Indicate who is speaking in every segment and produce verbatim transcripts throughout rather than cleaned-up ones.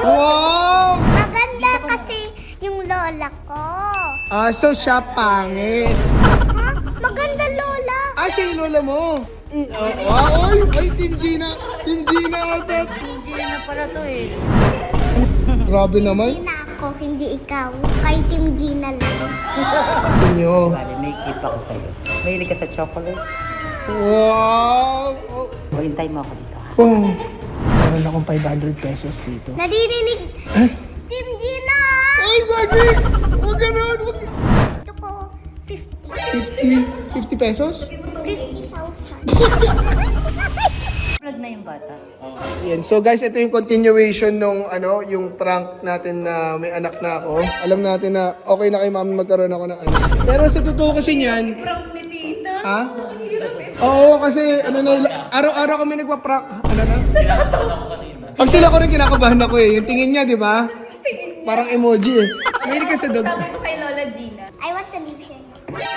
Speaker 1: Wow!
Speaker 2: Maganda kasi yung lola ko.
Speaker 1: Ah, so siya pangit.
Speaker 2: Ha? Maganda lola.
Speaker 1: Ah, siya yung lola mo. Mm, ah, wow, ay, ay, Team Gina. Team Gina ata.
Speaker 3: Hindi na pala to eh.
Speaker 1: Grabe naman.
Speaker 2: Gina ako, hindi ikaw. Kay Team Gina lang.
Speaker 1: Inyo.
Speaker 3: Bale, may gift ako sa'yo. Mahilig ka sa chocolate?
Speaker 1: Wow! Oh.
Speaker 3: O, hintay mo ako dito ha.
Speaker 1: Wow. Meron akong five hundred pesos dito.
Speaker 2: Naririnig.
Speaker 1: Eh?
Speaker 2: Team Gina!
Speaker 1: Ay, Bagi! Huwag ganun! Huwag...
Speaker 2: Gusto ko fifty.
Speaker 1: fifty, fifty pesos?
Speaker 2: fifty thousand.
Speaker 3: Vlog na yung bata.
Speaker 1: Yan. So guys, ito yung continuation nung ano, yung prank natin na may anak na ako. Alam natin na okay na kay mami magkaroon ako ng anak. Pero sa totoo kasi niyan...
Speaker 4: Prank ni tita.
Speaker 1: Ha? Oo, kasi ano na, araw-araw kami nagpa-prank. Ano na? Kinakabahan ako kanina. Pag sila ko rin kinakabahan ako eh. Yung tingin niya, di ba? Parang emoji eh. Mahilig ka sa dogs.
Speaker 4: Sabi ko kay Lola Gina.
Speaker 2: I want to live here.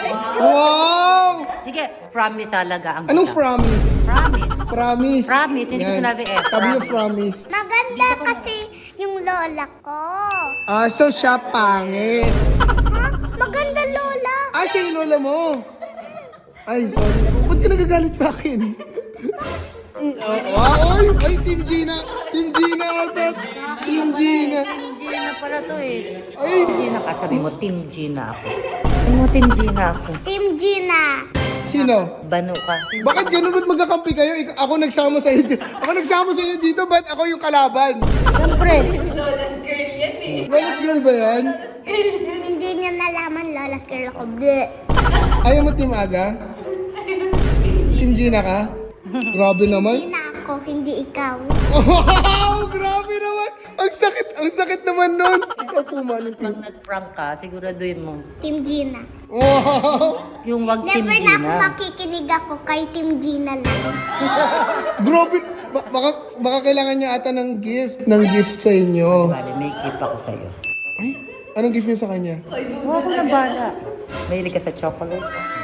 Speaker 1: Wow!
Speaker 3: Sige, promise talaga ang
Speaker 1: Anong
Speaker 3: bata.
Speaker 1: promise?
Speaker 3: Promise.
Speaker 1: Promise.
Speaker 3: Promise, hindi ko
Speaker 1: Yan.
Speaker 3: sinabi eh.
Speaker 1: Sabi niyo
Speaker 3: Promise.
Speaker 1: promise.
Speaker 2: Maganda kasi yung lola ko.
Speaker 1: Ah, so siya pangit.
Speaker 2: Ha? Maganda lola.
Speaker 1: Ah, siya yung lola mo. Ay, sorry. Ba't ka nagagalit sa akin? Mm, ah, wow, ay, ay, Team Gina. Team Gina ata. Team Gina.
Speaker 3: Team Gina pala to eh.
Speaker 1: Ay.
Speaker 3: Team Gina ka, sabi mo, Team Gina ako. Sabi mo, Team Gina ako.
Speaker 2: Team Gina.
Speaker 1: Sino?
Speaker 3: Bano ka.
Speaker 1: Bakit ganun? Ba't magkakampi kayo? Ik- Ako nagsama sa inyo. Ako nagsama sa inyo dito. Ba't ako yung kalaban?
Speaker 3: Siyempre.
Speaker 4: Lola's girl yan eh.
Speaker 1: Lola's girl ba yan?
Speaker 2: Hindi niya nalaman lola's girl ako. Bleh.
Speaker 1: Ayaw mo Team Aga? Team Gina ka? Grabe naman.
Speaker 2: Gina ako, hindi ikaw.
Speaker 1: Wow! Grabe naman! Ang sakit! Ang sakit naman nun! Ikaw po man ng team.
Speaker 3: Pag nag-prank ka, siguraduhin mo.
Speaker 2: Team Gina.
Speaker 1: Wow!
Speaker 3: Yung wag Team
Speaker 2: Never na ako
Speaker 3: Gina.
Speaker 2: makikinig ako kay Team Gina lang.
Speaker 1: Grabe! Ba- baka, baka kailangan niya ata ng gift. Ng gift sa inyo.
Speaker 3: Bale, may gift ako sa'yo.
Speaker 1: Ay, anong gift niya sa kanya?
Speaker 3: Huwag ko na bala. Mahilig ka sa chocolate?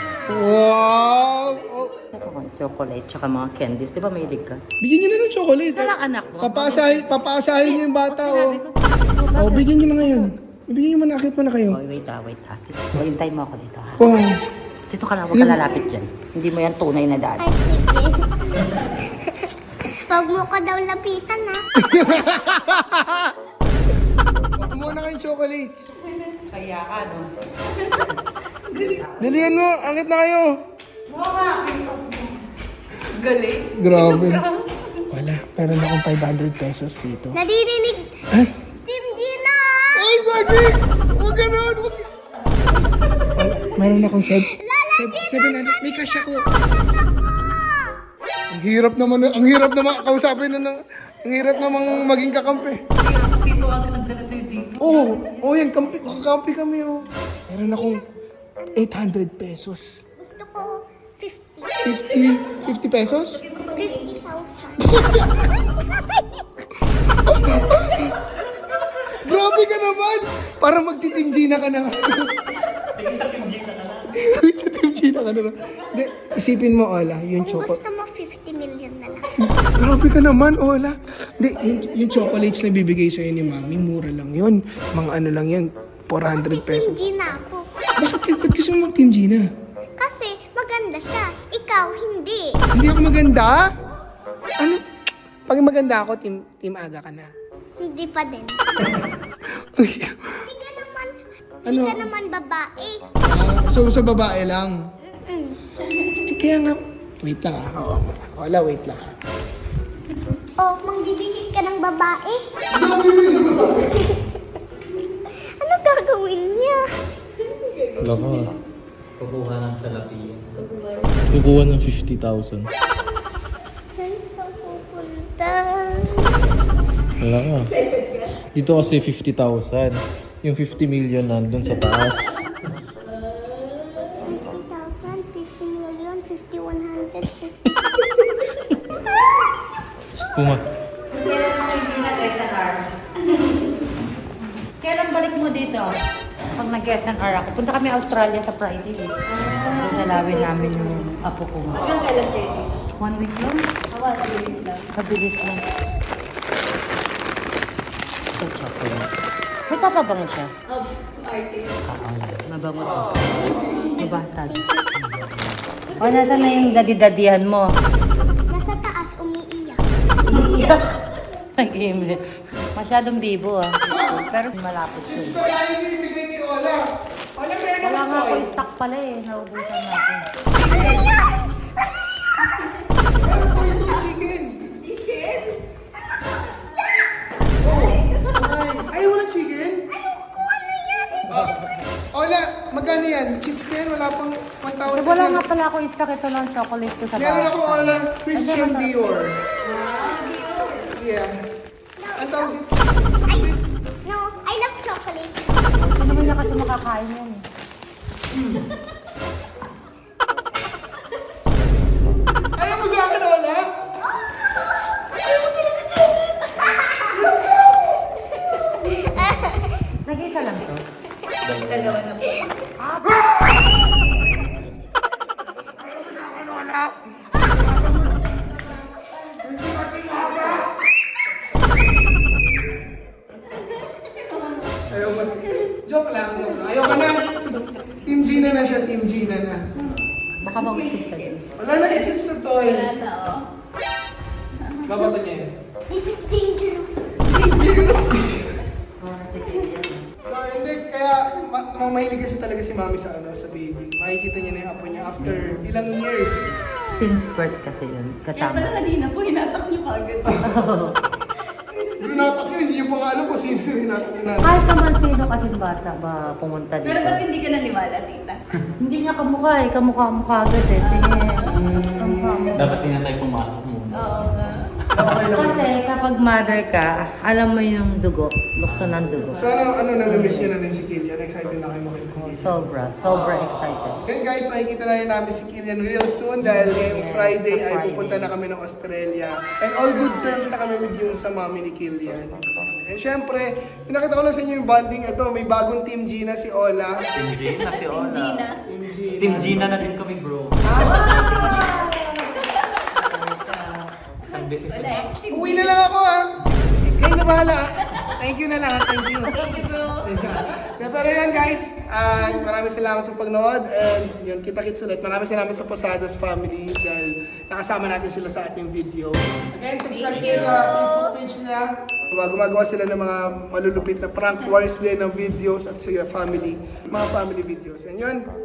Speaker 1: Wow! Oh,
Speaker 3: Ako, chocolate, tsaka mga candies. Di ba mahilig ka?
Speaker 1: bigyan niyo na ng chocolate.
Speaker 3: Walang anak mo.
Speaker 1: Papaasahin, papaasahin niyo yung bata, oh.
Speaker 3: Sinabi ko,
Speaker 1: Oh, bigyan niyo na ngayon. Bigyan niyo man, akit mo na kayo.
Speaker 3: Oh, wait ah, wait ah. O, hintay mo ako dito ha.
Speaker 1: Wow!
Speaker 3: Dito ka lang, huwag ka lalapit dyan. Hindi mo yan tunay na daan.
Speaker 2: Ay, sige. Huwag mo ko daw lapitan, ha?
Speaker 1: Kumuha na kayong chocolates.
Speaker 3: Kaya ka, no?
Speaker 1: Dalihan mo, akit na kayo.
Speaker 4: Galing.
Speaker 1: Grabe. Wala, meron akong five hundred pesos dito.
Speaker 2: Naririnig.
Speaker 1: Eh?
Speaker 2: Team Gina!
Speaker 1: Ay, Bagi! Huwag ganun! Huwag... Wala, meron akong seven...
Speaker 2: Lala Gina!
Speaker 1: seven hundred. May cash ako.
Speaker 2: Kausap ako!
Speaker 1: Ang hirap naman, ang hirap naman kausapin na ng... Ang hirap namang maging kakampi.
Speaker 3: Dito ako nagdala sa'yo dito.
Speaker 1: Oo, oh, oh yan, kampi, kakampi kami, oh. Meron akong eight hundred pesos.
Speaker 2: Gusto ko fifty.
Speaker 1: fifty, fifty pesos?
Speaker 2: fifty thousand.
Speaker 1: Grabe ka naman! Para magti-Team Gina ka na nga. Sa Team Gina ka na. Sa Team Gina ka na lang. Hindi, isipin mo, Ola, yung
Speaker 2: Kung
Speaker 1: chocolate.
Speaker 2: gusto mo fifty million na lang.
Speaker 1: Grabe ka naman, Ola. Hindi, yung, yung chocolates na bibigay sa'yo ni Mami, mura lang yun. Mga ano lang yun, four hundred
Speaker 2: Team
Speaker 1: pesos.
Speaker 2: Gina ako.
Speaker 1: Bakit, ba't gusto mo mag-Team Gina?
Speaker 2: Kasi maganda siya. Ikaw, hindi.
Speaker 1: Hindi ako maganda? Ano? Pag maganda ako, Team, team Aga ka na.
Speaker 2: Hindi pa din.
Speaker 1: Ay,
Speaker 2: Hindi ka naman,
Speaker 1: Ano?
Speaker 2: hindi ka naman babae.
Speaker 1: ah, so, sa babae lang.
Speaker 2: Mm-mm.
Speaker 1: Hindi, kaya nga, wait lang ah. Oo, Ola, wait lang ah.
Speaker 2: Oh, mangbibihis ka ng babae? Ano gagawin niya?
Speaker 5: Wala ka. Kukuha ng salapi. Kukuha ng fifty thousand.
Speaker 2: Saan ka pupunta?
Speaker 5: Wala ka. Dito kasi fifty thousand. Yung fifty million nandun sa taas.
Speaker 2: fifty thousand, fifty million, fifty, one hundred, fifty.
Speaker 5: Just puma.
Speaker 3: Kailan mo hindi nag-get ng R? Kailan balik mo dito? Pag nag-get ng R ako. Punta kami Australia sa Friday. Eh. Dalawin namin yung apo ko.
Speaker 4: Hanggang kailan kayo dito?
Speaker 3: One week lang.
Speaker 4: Ako, at least lang.
Speaker 3: Mabilis lang. Ito chocolate. May papabango siya.
Speaker 4: Um, artist.
Speaker 3: Oo, mabango to. Mabasag. O, nasa na yung dadi-dadihan mo?
Speaker 2: Nasa taas, umiiyak.
Speaker 3: Iiyak. Nag-email. Masyadong bibo ah. Pero malapit siya.
Speaker 1: Gusto tayo yung ibigay ni Ola. Ola, meron
Speaker 3: Wala
Speaker 1: ako
Speaker 3: nga
Speaker 1: toy.
Speaker 3: ako stock pala eh. Naubusan natin.
Speaker 1: Meron ko ito, chicken.
Speaker 4: Chicken?
Speaker 1: Ayaw mo ng chicken? Oh. Ola, magkano yan? Chips na yan, wala pang one thousand
Speaker 3: Eh, wala
Speaker 1: yan.
Speaker 3: nga pala ako stock. Ito lang chocolate ko sa bahay.
Speaker 1: Meron ako, Ola, Christian Dior. Yeah. Ang tawag dito?
Speaker 2: Ay, no, I love chocolate.
Speaker 3: Hindi naman niya kasi makakain yan eh.
Speaker 1: Ayaw mo sa akin, Ola?
Speaker 3: Nag-isa lang to.
Speaker 4: Dalawa na po.
Speaker 1: Ayaw mo. Joke lang, joke lang. Ayaw ka na. Team Gina na siya, Team Gina na.
Speaker 3: Baka mausis ka din.
Speaker 1: Wala na exit sa toy.
Speaker 4: Wala na, oh.
Speaker 1: Babato niya yan.
Speaker 2: This is dangerous.
Speaker 1: So, hindi, kaya ma- ma- mahilig kasi talaga si Mami sa ano, sa baby. Makikita niya na yung apo niya after ilang years.
Speaker 3: Since birth kasi yun.
Speaker 4: Kaya pala
Speaker 3: Kasama.
Speaker 4: kanina po, hinatak niyo kagad.
Speaker 1: Hinatak niyo, hindi niyo pa nga alam kung sino yung hinatak niyo natin.
Speaker 3: Kahit naman sino kasi bata ba pumunta dito.
Speaker 4: Pero ba't hindi ka naniwala, tita?
Speaker 3: Hindi niya kamukha eh. Kamukha-mukha agad eh. Tingin. Kamukha-mukha.
Speaker 5: Dapat din na tayo pumasok muna.
Speaker 4: Oo nga.
Speaker 1: Okay lang.
Speaker 3: Kasi kapag mother ka, alam mo yung dugo. Lukso ng dugo.
Speaker 1: So, ano, ano, nami-miss niyo na rin si Killian? Excited na kayo makita si Killian.
Speaker 3: Sobra. Sobra excited.
Speaker 1: Then guys, makikita na rin namin si Killian real soon dahil ngayong Friday ay pupunta na kami ng Australia. And all good terms na kami with yung sa mami ni Killian. And syempre, pinakita ko lang sa inyo yung bonding ito. May bagong Team Gina si Ola.
Speaker 5: Team Gina si Ola.
Speaker 4: Gina.
Speaker 1: Team Gina.
Speaker 5: Team Gina na din kami, bro. Isang decision.
Speaker 4: Wala eh.
Speaker 1: Uwi na lang ako ha. Kayo na bahala. Thank you na lang. Thank you.
Speaker 4: Thank you, bro.
Speaker 1: Kaya pero yan guys, uh, maraming salamat sa pagnood and yun, kita-kits ulit. Maraming salamat sa Posadas family dahil nakasama natin sila sa ating video. Again, subscribe kayo sa Facebook page nila. Diba, gumagawa sila ng mga malulupit na prank wars din ng videos at sila family, mga family videos. And yun,